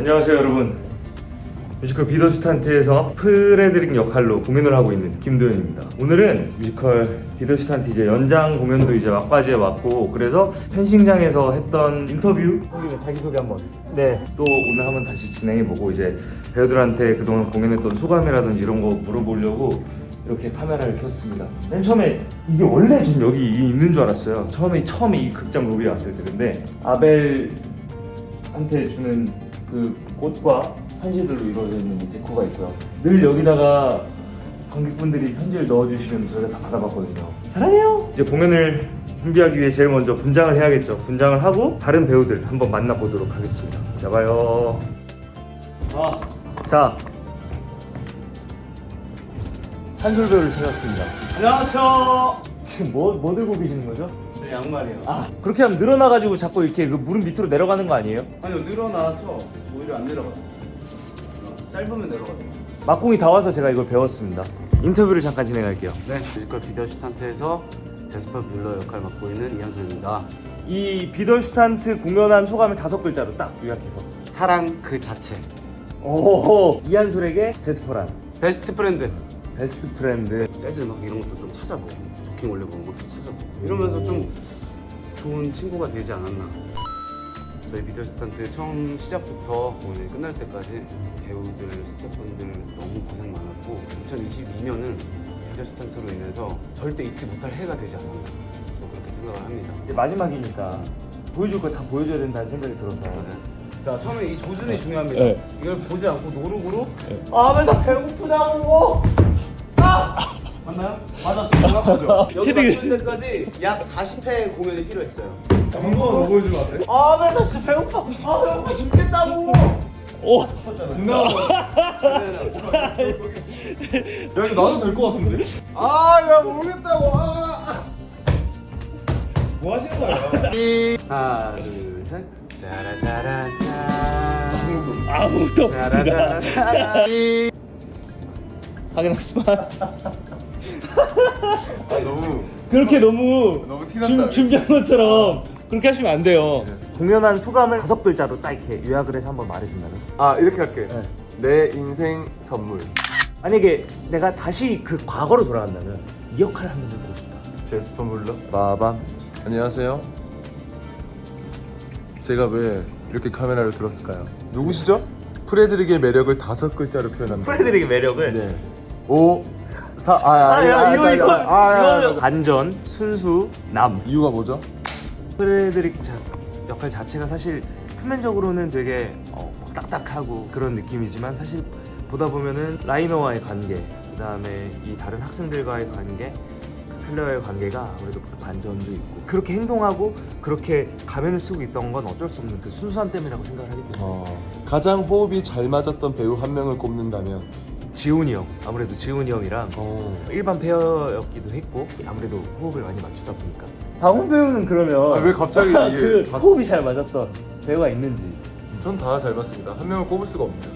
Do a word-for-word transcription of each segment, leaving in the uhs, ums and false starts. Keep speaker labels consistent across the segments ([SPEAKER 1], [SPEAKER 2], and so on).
[SPEAKER 1] 안녕하세요 여러분. 뮤지컬 비더슈탄트에서 프레드릭 역할로 공연을 하고 있는 김도현입니다. 오늘은 뮤지컬 비더슈탄트 이제 연장 공연도 이제 막바지에 왔고, 그래서 펜싱장에서 했던 인터뷰 자기소개 한번. 네. 또 오늘 한번 다시 진행해보고, 이제 배우들한테 그동안 공연했던 소감이라든지 이런 거 물어보려고 이렇게 카메라를 켰습니다. 맨 처음에 이게 원래 지금 여기 있는 줄 알았어요. 처음에 처음에 이 극장 로비에 왔을 때. 근데 아벨한테 주는 그 꽃과 편지들로 이루어져 있는 이 데코가 있고요. 늘 여기다가 관객분들이 편지를 넣어주시면 저희가 다 받아봤거든요. 사랑해요! 이제 공연을 준비하기 위해 제일 먼저 분장을 해야겠죠. 분장을 하고 다른 배우들 한번 만나보도록 하겠습니다. 자, 봐요. 아, 자, 한솔 배우를 찾았습니다.
[SPEAKER 2] 안녕하세요.
[SPEAKER 1] 지금 뭐, 뭐 들고 계시는 거죠?
[SPEAKER 2] 네, 양말이요.
[SPEAKER 1] 아, 그렇게 하면 늘어나가지고 자꾸 이렇게 그 무릎 밑으로 내려가는 거 아니에요?
[SPEAKER 2] 아니요, 늘어나서 오히려 안 내려가요. 짧으면 내려가요.
[SPEAKER 1] 막공이 다 와서 제가 이걸 배웠습니다. 인터뷰를 잠깐 진행할게요.
[SPEAKER 3] 네, 뮤지컬 비더슈탄트에서 제스퍼 뮬러 역할 맡고 있는 이현솔입니다.
[SPEAKER 1] 이 비더슈탄트 공연한 소감을 다섯 글자로 딱 요약해서.
[SPEAKER 3] 사랑 그 자체.
[SPEAKER 1] 오, 이한솔에게 제스퍼란
[SPEAKER 3] 베스트 프렌드.
[SPEAKER 1] 베스트 프렌드.
[SPEAKER 3] 재즈 막 이런 것도 좀 찾아보고, 조킹 올려보는 것도 찾아보고, 이러면서 좀 좋은 친구가 되지 않았나. 저희 비더슈탄트 처음 시작부터 오늘 끝날 때까지 배우들, 스태프분들 너무 고생 많았고, 이천이십이 년은 비더슈탄트로 인해서 절대 잊지 못할 해가 되지 않았나, 저 그렇게 생각을 합니다.
[SPEAKER 1] 이제 마지막이니까 보여줄 거 다 보여줘야 된다는 생각이 들어서.
[SPEAKER 3] 자, 처음에 이 조준이 중요합니다.
[SPEAKER 1] 네.
[SPEAKER 3] 이걸 보지 않고 노룩으로
[SPEAKER 2] 아, 왜 나 배고프다고? 아! 맞나요? 맞았죠, 정확하죠. 여기 맞추는 데까지 약 사십 회 공연이 필요했어요. 한번 더 보여주면 안 돼? 아, 왜 나 진짜 배고파? 아, 배고파 죽겠다고!
[SPEAKER 1] 오!
[SPEAKER 2] 누나! 야, 이거 나도 될 것 같은데? 아, 야, 모르겠다고! 아! 뭐 하시는 거예요?
[SPEAKER 3] 하나, 둘, 셋. 짜라짜라짠.
[SPEAKER 1] 아무것도 없습니다.
[SPEAKER 3] 짜라짜라짠.
[SPEAKER 1] 확인했지만
[SPEAKER 2] 아, 너무
[SPEAKER 1] 그렇게 너무
[SPEAKER 2] 너무 티났다.
[SPEAKER 1] 준, 준비한 것처럼 그렇게 하시면 안 돼요. 공연한 소감을 다섯 글자로 딱 이렇게 요약을 해서 한번 말해준다면.
[SPEAKER 4] 아, 이렇게 할게.
[SPEAKER 1] 네.
[SPEAKER 4] 내 인생 선물.
[SPEAKER 1] 만약에 내가 다시 그 과거로 돌아간다면 이 역할을 한번 해보고 싶다.
[SPEAKER 4] 제스퍼 물러 마밤. 안녕하세요. 제가 왜 이렇게 카메라를 들었을까요? 누구시죠? 프레드릭의 매력을 다섯 글자로 표현합니다.
[SPEAKER 1] 프레드릭의 매력을.
[SPEAKER 4] 네. 오, 사, 아, 아,
[SPEAKER 1] 아, 야,
[SPEAKER 4] 아,
[SPEAKER 1] 이거
[SPEAKER 4] 아,
[SPEAKER 1] 이거
[SPEAKER 4] 아, 아, 아,
[SPEAKER 1] 이거 반전, 순수, 남.
[SPEAKER 4] 이유가 뭐죠?
[SPEAKER 1] 프레드릭 자, 역할 자체가 사실 표면적으로는 되게 어, 딱딱하고 그런 느낌이지만, 사실 보다 보면은 라이너와의 관계, 그 다음에 이 다른 학생들과의 관계, 클레어의 관계가 아무래도 그 반전도 있고, 그렇게 행동하고 그렇게 가면을 쓰고 있던 건 어쩔 수 없는 그 순수함 때문이라고 생각을 하기 때문에.
[SPEAKER 4] 어, 가장 호흡이 잘 맞았던 배우 한 명을 꼽는다면
[SPEAKER 1] 지훈이 형, 아무래도 지훈이 형이랑
[SPEAKER 4] 어.
[SPEAKER 1] 일반 페어였기도 했고, 아무래도 호흡을 많이 맞추다 보니까. 다운 배우는 그러면
[SPEAKER 4] 아, 왜 갑자기 이게
[SPEAKER 1] 그
[SPEAKER 4] 다-
[SPEAKER 1] 호흡이 잘 맞았던 배우가 있는지.
[SPEAKER 4] 전 다 잘 봤습니다. 한 명을 꼽을 수가 없네요.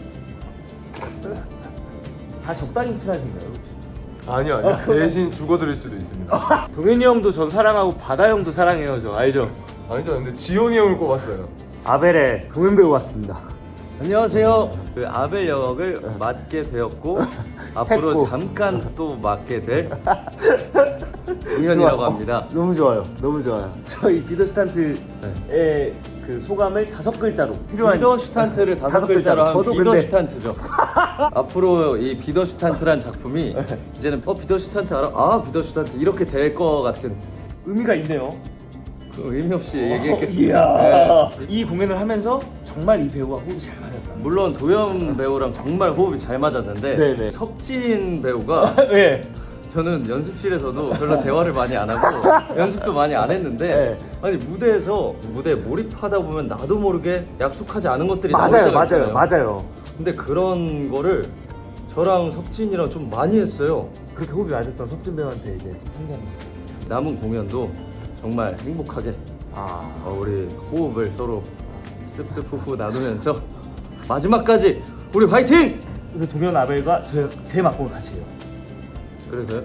[SPEAKER 1] 다 적당히 친하신가요?
[SPEAKER 4] 아니요, 아니요. 대신 죽어드릴 수도 있습니다.
[SPEAKER 1] 동현이 형도 전 사랑하고 바다 형도 사랑해요. 저 알죠?
[SPEAKER 4] 아니죠, 근데 지용이 형을 꼽았어요.
[SPEAKER 1] 아벨의 동현 배우 왔습니다.
[SPEAKER 5] 안녕하세요. 그 아벨 역을 맡게 되었고 앞으로
[SPEAKER 1] 했고.
[SPEAKER 5] 잠깐 또 맡게 될 우현이라고
[SPEAKER 1] 좋아요.
[SPEAKER 5] 합니다.
[SPEAKER 1] 너무 좋아요. 너무 좋아요. 저희 비더슈탄트의 그 소감을 다섯 글자로 필요한.
[SPEAKER 5] 비더슈탄트를 다섯,
[SPEAKER 1] 다섯
[SPEAKER 5] 글자로
[SPEAKER 1] 글자로.
[SPEAKER 5] 하면
[SPEAKER 1] 저도 근데-
[SPEAKER 5] 비더슈탄트죠. 앞으로 이 비더슈탄트란 작품이 이제는 어 비더슈탄트 알아? 아 비더슈탄트 이렇게 될 것 같은
[SPEAKER 1] 의미가 있네요.
[SPEAKER 5] 그 의미 없이
[SPEAKER 1] 이야.
[SPEAKER 5] 얘기했겠습니다. 네.
[SPEAKER 1] 이 공연을 하면서 정말 이 배우와 호흡이 잘 맞았다.
[SPEAKER 5] 물론 도현 배우랑 정말 호흡이 잘 맞았는데
[SPEAKER 1] 네네.
[SPEAKER 5] 석진 배우가
[SPEAKER 1] 네.
[SPEAKER 5] 저는 연습실에서도 별로 대화를 많이 안 하고 연습도 많이 안 했는데
[SPEAKER 1] 네.
[SPEAKER 5] 아니 무대에서 무대에 몰입하다 보면 나도 모르게 약속하지 않은 것들이 나올
[SPEAKER 1] 맞아요,
[SPEAKER 5] 때가
[SPEAKER 1] 맞아요,
[SPEAKER 5] 있잖아요.
[SPEAKER 1] 맞아요.
[SPEAKER 5] 근데 그런 거를 저랑 석진이랑 좀 많이 했어요.
[SPEAKER 1] 그렇게 호흡이 맞았던 석준 배우한테 이제 편견.
[SPEAKER 5] 남은 공연도 정말 행복하게
[SPEAKER 1] 아,
[SPEAKER 5] 어, 우리 호흡을 서로 습습 후후 나누면서 마지막까지 우리 화이팅!
[SPEAKER 1] 그 동현 아벨과 제, 제 막공을 같이 해요.
[SPEAKER 5] 그래서요?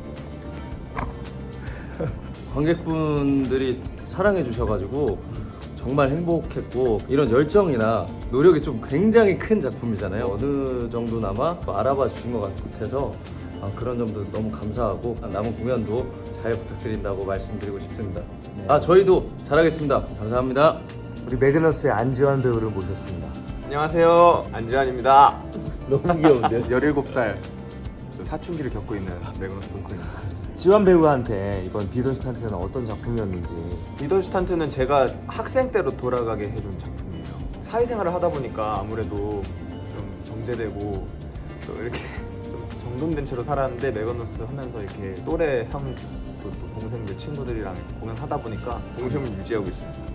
[SPEAKER 5] 관객분들이 사랑해 주셔가지고 정말 행복했고 이런 열정이나 노력이 좀 굉장히 큰 작품이잖아요. 어느 정도나마 알아봐 주신 것 같아서 아, 그런 점도 너무 감사하고 남은 공연도 잘 부탁드린다고 말씀드리고 싶습니다. 아 저희도 잘하겠습니다. 감사합니다.
[SPEAKER 1] 우리 매그너스의 안지환 배우를 모셨습니다.
[SPEAKER 2] 안녕하세요, 안지환입니다.
[SPEAKER 5] 너무 귀여운데요?
[SPEAKER 3] 열일곱 살 사춘기를 겪고 있는 매그너스 동크입니다.
[SPEAKER 1] 지환 배우한테 이번 비더슈탄트는 어떤 작품이었는지.
[SPEAKER 2] 비더슈탄트는 제가 학생 때로 돌아가게 해준 작품이에요. 사회생활을 하다 보니까 아무래도 좀 정제되고 또 이렇게 좀 정돈된 채로 살았는데 매거너스 하면서 이렇게 또래 형, 또, 또 동생들 친구들이랑 공연하다 보니까 동심을 유지하고 있습니다.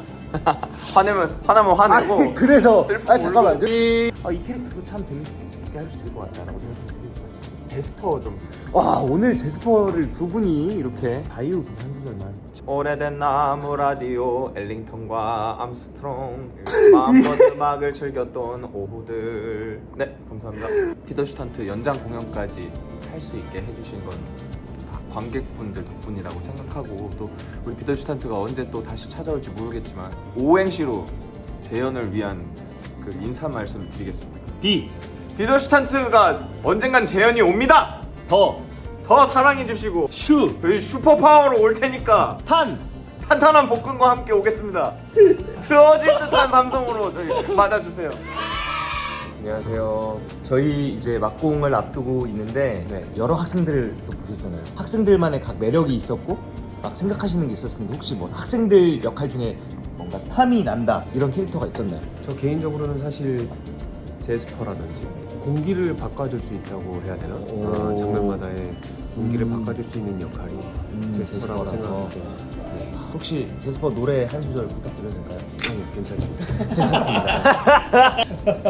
[SPEAKER 2] 화내면 화나면 화내고
[SPEAKER 1] 아니, 그래서
[SPEAKER 2] 슬프고
[SPEAKER 1] 아 잠깐만
[SPEAKER 2] 울고.
[SPEAKER 1] 이, 아, 이 캐릭터도 참 재밌게 할 수 있을 것 같다라고 생각했어요.
[SPEAKER 2] 제스퍼 좀
[SPEAKER 1] 와 오늘 제스퍼를 두 분이 이렇게 바이오 한 소절만.
[SPEAKER 2] 오래된 나무 라디오 엘링턴과 암스트롱 마음껏 음악을 즐겼던 오후들. 네 감사합니다. 피더슈탄트 연장 공연까지 할 수 있게 해주신 건 다 관객분들 덕분이라고 생각하고, 또 우리 피더슈탄트가 언제 또 다시 찾아올지 모르겠지만 오행시로 재현을 위한 그 인사 말씀 드리겠습니다.
[SPEAKER 1] 비,
[SPEAKER 2] 피더슈탄트가 언젠간 재현이 옵니다.
[SPEAKER 1] 더,
[SPEAKER 2] 더 사랑해주시고
[SPEAKER 1] 슈,
[SPEAKER 2] 저희 슈퍼파워로 올 테니까
[SPEAKER 1] 탄.
[SPEAKER 2] 탄탄한 복근과 함께 오겠습니다. 트어질 듯한 감성으로 저희 맞아주세요.
[SPEAKER 1] 안녕하세요. 저희 이제 막공을 앞두고 있는데
[SPEAKER 2] 네.
[SPEAKER 1] 여러 학생들을 또 보셨잖아요. 학생들만의 각 매력이 있었고 막 생각하시는 게 있었는데 혹시 뭐 학생들 역할 중에 뭔가 탐이 난다 이런 캐릭터가 있었나요?
[SPEAKER 6] 저 개인적으로는 사실 제스퍼라든지 공기를 바꿔줄 수 있다고 해야 되나?
[SPEAKER 1] 오.
[SPEAKER 6] 어, 장면마다의 공기를
[SPEAKER 1] 음.
[SPEAKER 6] 바꿔줄 수 있는 역할이
[SPEAKER 1] 음,
[SPEAKER 6] 제스퍼라고
[SPEAKER 1] 제스퍼라서.
[SPEAKER 6] 생각하고 네.
[SPEAKER 1] 혹시 제스퍼 노래 한 소절 부탁드려도 될까요?
[SPEAKER 6] 아니요, 괜찮습니다.
[SPEAKER 1] 괜찮습니다.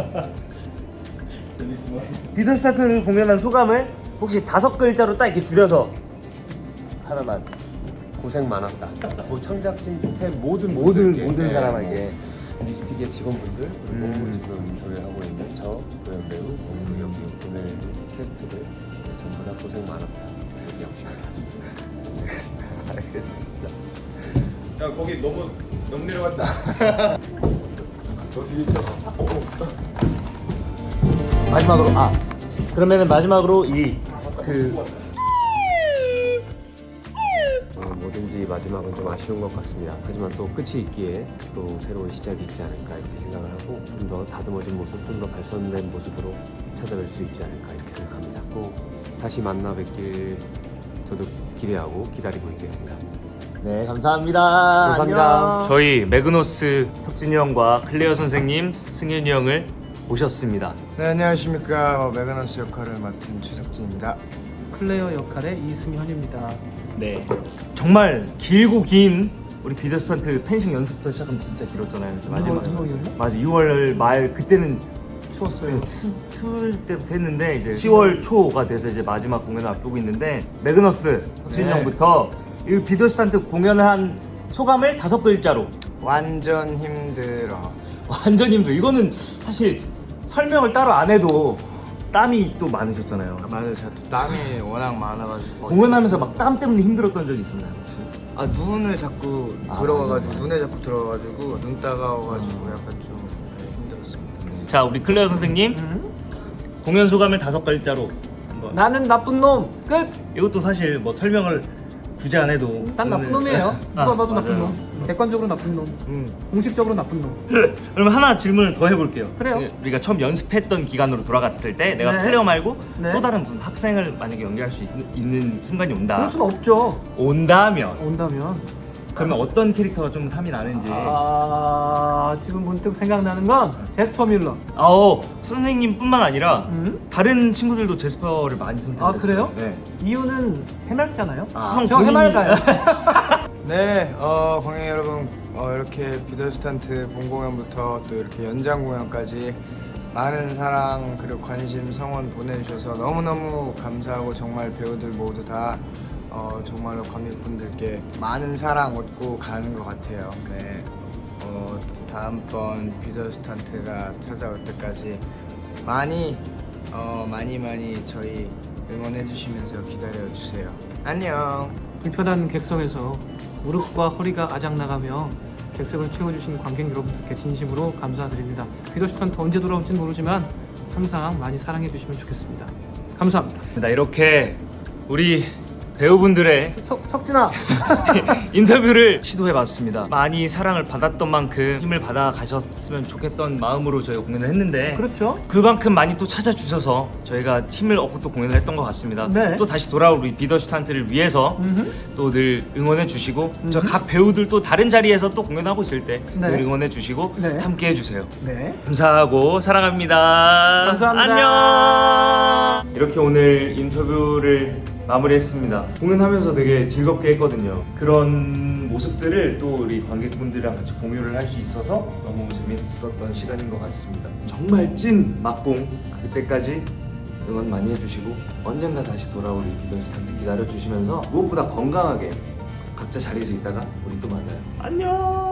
[SPEAKER 1] 비더스타트를 공연한 소감을 혹시 다섯 글자로 딱 이렇게 줄여서 하나만.
[SPEAKER 6] 고생 많았다. 뭐 창작진 스텝 모든
[SPEAKER 1] 모든
[SPEAKER 6] 분들께,
[SPEAKER 1] 모든
[SPEAKER 6] 네,
[SPEAKER 1] 사람에게.
[SPEAKER 6] 뭐 미스틱의 직원분들 그리고
[SPEAKER 1] 음.
[SPEAKER 6] 지금 조연하고 있는 저 조연 배우 그리고 여기 오늘 캐스트들 네, 전부 다 고생 많았다. 얘기하고 싶습니다.
[SPEAKER 1] 알겠습니다.
[SPEAKER 2] 야 거기 너무 너무 내려갔다. 너 뒤에 있잖아.
[SPEAKER 1] 마지막으로 아 그러면은 마지막으로 이 그
[SPEAKER 6] 어, 뭐든지 마지막은 좀 아쉬운 것 같습니다. 하지만 또 끝이 있기에 또 새로운 시작이 있지 않을까 이렇게 생각을 하고 좀 더 다듬어진 모습, 좀 더 발전된 모습으로 찾아뵐 수 있지 않을까 이렇게 생각합니다. 꼭 다시 만나 뵙길 저도 기대하고 기다리고 있겠습니다.
[SPEAKER 1] 네, 감사합니다.
[SPEAKER 6] 감사합니다.
[SPEAKER 1] 안녕. 저희 매그노스 석진이 형과 클레어 선생님, 승현이 형을 모셨습니다.
[SPEAKER 7] 네, 안녕하십니까. 어, 매그너스 역할을 맡은 최석진입니다.
[SPEAKER 8] 클레어 역할의 이승현입니다.
[SPEAKER 1] 네, 정말 길고 긴 우리 비더스턴트 펜싱 연습부터 시작하면 진짜 길었잖아요. 마지막에.
[SPEAKER 8] 이월이었나?
[SPEAKER 1] 맞아, 유월 말 그때는
[SPEAKER 8] 추웠어요.
[SPEAKER 1] 추, 추울 때부터 했는데 이제 시월 초가 돼서 이제 마지막 공연을 앞두고 있는데 매그너스 석진이
[SPEAKER 7] 네.
[SPEAKER 1] 형부터 이 비더스턴트 공연을 한 소감을 다섯 글자로.
[SPEAKER 7] 완전 힘들어.
[SPEAKER 1] 완전 힘들어. 이거는 사실 설명을 따로 안 해도 땀이 또 많으셨잖아요.
[SPEAKER 7] 맞아요. 제가 또 땀이 워낙 많아가지고
[SPEAKER 1] 공연하면서 막 땀 때문에 힘들었던 적이 있었나요 혹시?
[SPEAKER 7] 아 눈을 자꾸
[SPEAKER 1] 아,
[SPEAKER 7] 들어가가지고
[SPEAKER 1] 맞아, 맞아.
[SPEAKER 7] 눈에 자꾸 들어가가지고 눈 따가워가지고 약간 좀 네, 힘들었습니다.
[SPEAKER 1] 자, 우리 클레어 선생님 공연 소감을 다섯 글자로 한번.
[SPEAKER 8] 나는 나쁜 놈. 끝.
[SPEAKER 1] 이것도 사실 뭐 설명을 굳이 안 해도
[SPEAKER 8] 난 나쁜
[SPEAKER 1] 오늘-
[SPEAKER 8] 놈이에요.
[SPEAKER 1] 아,
[SPEAKER 8] 누가 봐도 나쁜
[SPEAKER 1] 맞아요.
[SPEAKER 8] 놈. 객관적으로 나쁜 놈.
[SPEAKER 1] 음.
[SPEAKER 8] 공식적으로 나쁜 놈.
[SPEAKER 1] 그러면 하나 질문을 더 해볼게요.
[SPEAKER 8] 그래요.
[SPEAKER 1] 우리가 처음 연습했던 기간으로 돌아갔을 때 내가
[SPEAKER 8] 네.
[SPEAKER 1] 클레어 말고
[SPEAKER 8] 네.
[SPEAKER 1] 또 다른 무슨 학생을 만약에 연기할 수 있, 있는 순간이 온다.
[SPEAKER 8] 그럴 순 없죠.
[SPEAKER 1] 온다면
[SPEAKER 8] 온다면.
[SPEAKER 1] 그러면 어떤 캐릭터가 좀 탐이 나는지.
[SPEAKER 8] 아 지금 문득 생각나는 건 제스퍼 밀러.
[SPEAKER 1] 아오 선생님뿐만 아니라
[SPEAKER 8] 음?
[SPEAKER 1] 다른 친구들도 제스퍼를 많이 선택했어요.
[SPEAKER 8] 아, 그래요?
[SPEAKER 1] 네.
[SPEAKER 8] 이유는 해맑잖아요.
[SPEAKER 1] 아, 형
[SPEAKER 8] 저
[SPEAKER 1] 본인이-
[SPEAKER 8] 해맑아요.
[SPEAKER 7] 네, 어, 관객 여러분, 어, 이렇게 비더스탄트 본 공연부터 또 이렇게 연장 공연까지 많은 사랑 그리고 관심 성원 보내주셔서 너무너무 감사하고 정말 배우들 모두 다 어, 정말로 관객분들께 많은 사랑 얻고 가는 것 같아요. 네, 어, 다음번 비더스탄트가 찾아올 때까지 많이 어, 많이 많이 저희 응원해 주시면서 기다려 주세요. 안녕.
[SPEAKER 8] 불편한 객석에서 무릎과 허리가 아작나가며 객석을 채워주신 관객 여러분들께 진심으로 감사드립니다. 비더슈탄트 언제 돌아올지는 모르지만 항상 많이 사랑해 주시면 좋겠습니다. 감사합니다.
[SPEAKER 1] 나 이렇게 우리 배우분들의
[SPEAKER 8] 석, 석진아!
[SPEAKER 1] 인터뷰를 시도해봤습니다. 많이 사랑을 받았던 만큼 힘을 받아 가셨으면 좋겠던 마음으로 저희가 공연을 했는데
[SPEAKER 8] 그렇죠.
[SPEAKER 1] 그만큼 많이 또 찾아주셔서 저희가 힘을 얻고 또 공연을 했던 것 같습니다.
[SPEAKER 8] 네.
[SPEAKER 1] 또 다시 돌아올 우리 비더슈탄트를 위해서 또 늘 응원해 주시고 저 각 배우들 또 다른 자리에서 또 공연하고 있을 때 늘
[SPEAKER 8] 네.
[SPEAKER 1] 응원해 주시고
[SPEAKER 8] 네.
[SPEAKER 1] 함께 해주세요.
[SPEAKER 8] 네.
[SPEAKER 1] 감사하고 사랑합니다.
[SPEAKER 8] 감사합니다.
[SPEAKER 1] 안녕. 이렇게 오늘 인터뷰를 마무리했습니다. 공연하면서 되게 즐겁게 했거든요. 그런 모습들을 또 우리 관객분들이랑 같이 공유를 할 수 있어서 너무 재밌었던 시간인 것 같습니다. 정말 찐 막공 그때까지 응원 많이 해주시고 언젠가 다시 돌아올 우리 비더슈탄트 기다려주시면서 무엇보다 건강하게 각자 자리에서 있다가 우리 또 만나요. 안녕.